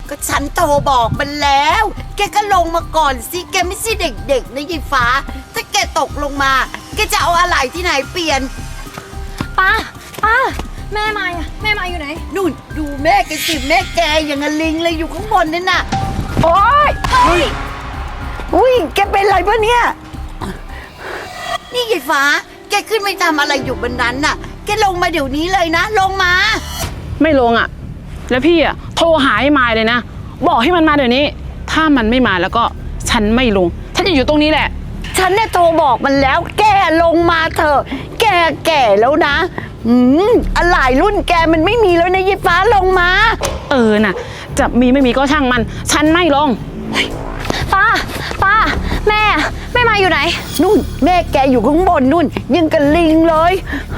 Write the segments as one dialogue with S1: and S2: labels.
S1: ก็ฉันโทรบอกมันแล้ว แกก็ลงมาก่อนสิแกไม่ใช่เด็กๆนะยายฟ้าถ้าแกตกลงมาแกจะเอาอะไรที่ไหนเปลี่ยน
S2: ป้าแม่มาอ่ะแม่มาอยู่ไหน
S1: นู่นดูแม่แกสิแม่แกอย่างกับลิงเลยอยู่ข้างบนนั่นน่ะ
S3: โอ๊ยอุ้ยแกเป็นไรปะเนี่ย
S1: นี่ยายฟ้าแกขึ้นไปทำอะไรอยู่บนนั้นน่ะแกลงมาเดี๋ยวนี้เลยนะลงมา
S4: ไม่ลงอ่ะแล้วพี่อ่ะโทรหาไอ้มายเลยนะบอกให้มันมาเดี๋ยวนี้ถ้ามันไม่มาแล้วก็ฉันไม่ลงฉันจะอยู่ตรงนี้แหละ
S3: ฉันเนี่ยโทรบอกมันแล้วแกลงมาเถอะแกแก่แล้วนะอะไรรุ่นแกมันไม่มีแล้วนะยายฟ้าลงมา
S4: น่ะจะมีไม่มีก็ช่างมันฉันไม่ลง
S2: ป้าแม่มาอยู่ไหน
S3: นู่นแม่แกอยู่ข้างบนนู่นยังกับลิงเลย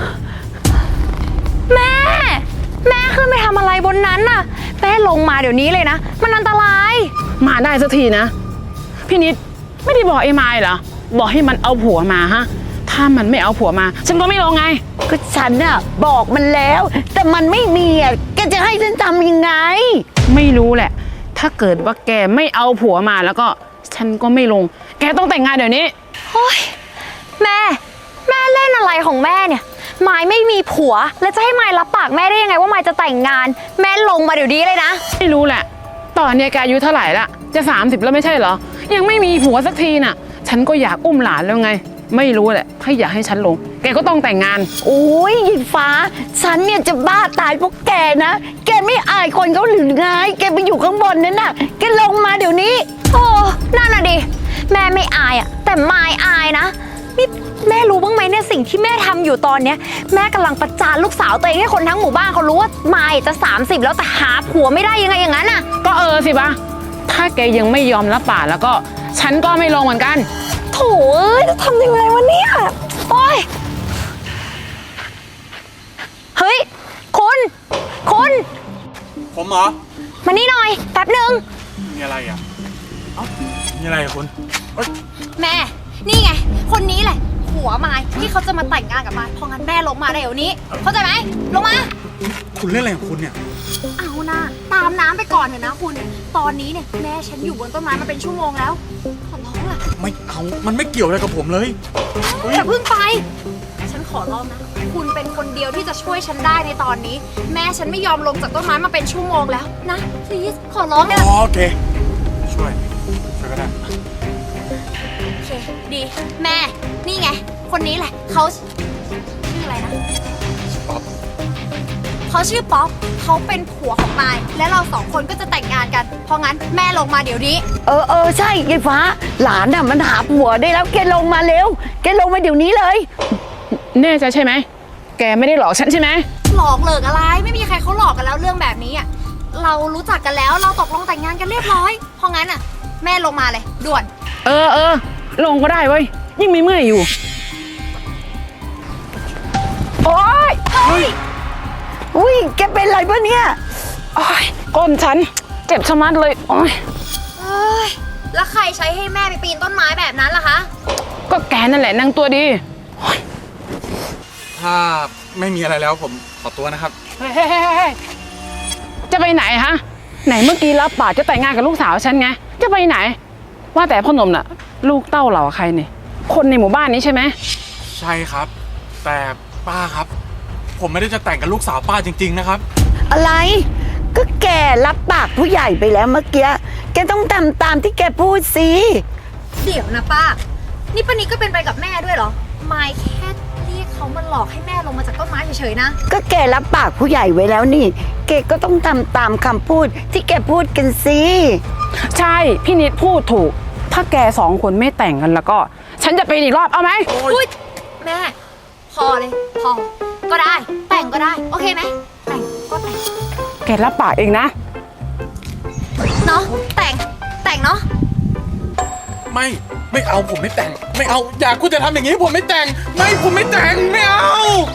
S2: แม่ขึ้นไปทำอะไรบนนั้นน่ะแม่ลงมาเดี๋ยวนี้เลยนะมันอันตราย
S4: มาได้สักทีนะพี่นิดไม่ได้บอกไอ้มายเหรอบอกให้มันเอาผัวมาฮะถ้ามันไม่เอาผัวมาฉันก็ไม่ลงไง
S3: ก็ฉันน่ะบอกมันแล้วแต่มันไม่มีอ่ะแกจะให้ฉันทำยังไง
S4: ไม่รู้แหละถ้าเกิดว่าแกไม่เอาผัวมาแล้วก็ฉันก็ไม่ลงแกต้องแต่งงานเดี๋ยวนี้
S2: โอ๊ยแม่เล่นอะไรของแม่เนี่ยมายไม่มีผัวแล้วจะให้มายรับปากแม่ได้ยังไงว่ามายจะแต่งงานแม่ลงมาเดี๋ยวนี้เลยนะ
S4: ไม่รู้แหละตอนนี้แกอายุเท่าไหร่ละจะ30แล้วไม่ใช่เหรอยังไม่มีผัวสักทีน่ะฉันก็อยากอุ้มหลานแล้วไงไม่รู้แหละถ้าอยากให้ฉันลงแกก็ต้องแต่งงาน
S3: โอ้ยยิงฟ้าฉันเนี่ยจะบ้าตายเพราะแกนะแกไม่อายคนเขาหรือไงแกไปอยู่ข้างบนนั่นน่ะแกลงมาเดี๋ยวนี้
S2: โอ้นั่นน่ะดิแม่ไม่อายอ่ะแต่มายอายนะนี่แม่รู้บ้างไหมเนี่ยสิ่งที่แม่ทำอยู่ตอนเนี้ยแม่กำลังประจานลูกสาวตัวเองให้คนทั้งหมู่บ้านเขารู้ว่ามายจะ30แล้วแต่หาผัวไม่ได้ยังไงอย่างนั้นน่ะ
S4: ก็สิปะถ้าแกยังไม่ยอมรับปากแล้วก็ฉันก็ไม่ลงเหมือนกัน
S2: โถ่จะทำยังไงวะเนี่ยโอ๊ยเฮ้ยคุณ
S5: ผมเหรอ
S2: มานี่หน่อยแป๊บนึง
S5: มีอะไรอ่ะมีอะไรคุณ
S2: แม่นี่ไงคนนี้แหละผัวมายที่เขาจะมาแต่งงานกับมายเพราะงั้นแม่ลงมาเดี๋ยวนี้เข้าใจไหมลงมา
S5: คุณเล่นอะไรของคุณเนี่ย
S2: เอานะตามน้ำไปก่อนเถอะนะคุณตอนนี้เนี่ยแม่ฉันอยู่บนต้นไม้มาเป็นชั่วโมงแล้วขอร้องล่ะ
S5: ไม่เอามันไม่เกี่ยวอะไรกับผมเลย
S2: อย่าเพิ่งไปฉันขอร้องนะคุณเป็นคนเดียวที่จะช่วยฉันได้ในตอนนี้แม่ฉันไม่ยอมลงจากต้นไม้มาเป็นชั่วโมงแล้วนะ please ขอร้องนะ
S5: โอเคช่วยก็ได้
S2: โอเคดีแม่นี่ไงคนนี้แหละเขาชื่ออะไรนะ
S5: ป๊อป
S2: เขาชื่อป๊อปเขาเป็นผัวของมายและเราสองคนก็จะแต่งงานกันเพราะงั้นแม่ลงมาเดี๋ยวนี้
S3: ใช่ยายฟ้าหลานน่ะมันหาผัวได้แล้วแกลงมาเร็วแกลงมาเดี๋ยวนี้เลย
S4: แน่ใจใช่ไหมแกไม่ได้หลอกฉันใช่ไหม
S2: หลอกเหลิกอะไรไม่มีใครเขาหลอกกันแล้วเรื่องแบบนี้อ่ะเรารู้จักกันแล้วเราตกลงแต่งงานกันเรียบร้อยเพราะงั้นอ่ะแม่ลงมาเลยด่วน
S4: ลงก็ได้เว้ยยิ่งไม่เมื่อยอยู่
S3: โอ๊ยอุ้ยแกเป็นไรปะเนี่ย
S4: ก้นฉันเจ็บชะมัดเลยโอ๊ย
S2: แล้วใครใช้ให้แม่ไปปีนต้นไม้แบบนั้นล่ะคะ
S4: ก็แกนั่นแหละนางตัวดี
S5: ถ้าไม่มีอะไรแล้วผมขอตัวนะครับ
S4: จะไปไหนฮะไหนเมื่อกี้รับปากจะแต่งงานกับลูกสาวฉันไงจะไปไหนว่าแต่พ่อหนุ่มน่ะลูกเต้าเหล่าใครเนี่ยคนในหมู่บ้านนี้ใช่ไหม
S5: ใช่ครับแต่ป้าครับผมไม่ได้จะแต่งกับลูกสาวป้าจริงๆนะครับ
S3: อะไรก็แกรับปากผู้ใหญ่ไปแล้วเมื่อกี้แกต้องทำตามที่แกพูดสิ
S2: เดี๋ยวนะป้านี่ป้านิดก็เป็นไปกับแม่ด้วยเหรอไม่แค่เรียกเขามาหลอกให้แม่ลงมาจากต้นไม้เฉยๆนะ
S3: ก็แกรับปากผู้ใหญ่ไว้แล้วนี่แกก็ต้องทำตามคำพูดที่แกพูดกันสิ
S4: ใช่พี่นิดพูดถูกถ้าแกสองคนไม่แต่งกันแล้วก็ฉันจะไปอีกรอบเอาไหม
S2: อุ๊ยแม่พอเลยพอก็ได้แต่งก็ได้โอเคไหมแต่งก็แต่ง
S4: แกรับปากเองนะ
S2: เนาะแต่งเนาะ
S5: ไม่เอาผมไม่แต่งไม่เอาอยากคุณจะทำอย่างนี้ผมไม่แต่งผมไม่แต่งไม่เอา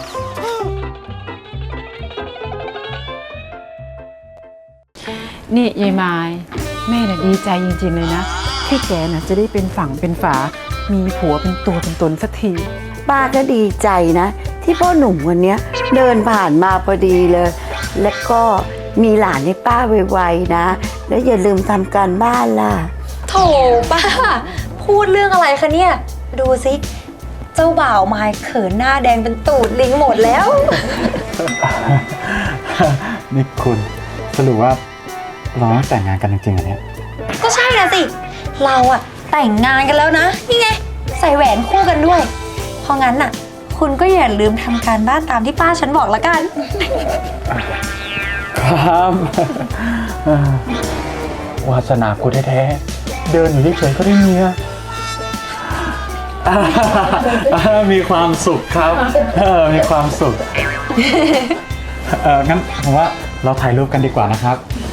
S4: นี่ยายไม้แม่น่ะดีใจจริงๆเลยนะที่แกน่ะจะได้เป็นฝั่งเป็นฝามีผัวเป็นตัวเป็นตนสักที
S3: ป้าก็ดีใจนะที่พ่อหนุ่มวันนี้เดินผ่านมาพอดีเลยและก็มีหลานให้ป้าไวๆนะ แล้วอย่าลืมทำการบ้านล่ะ
S2: โถป้า พูดเรื่องอะไรคะเนี่ย ดูสิ เจ้าบ่าวมายเขินหน้าแดงเป็นตูดลิงหมดแล้ว
S6: นี่คุณสรุปว่าเราต้องแต่งงานกันจริงๆเหรอเนี่ย
S2: ก็ใช่นะสิ เราอะแต่งงานกันแล้วนะ นี่ไง ใส่แหวนคู่กันด้วย เพราะงั้นน่ะ คุณก็อย่าลืมทำการบ้านตามที่ป้าฉันบอกละกัน
S6: ครับวาสนากูแท้ๆเดินอยู่เฉยๆก็ได้เมียมีความสุขครับมีความสุขงั้นผมว่าเราถ่ายรูปกันดีกว่านะครับ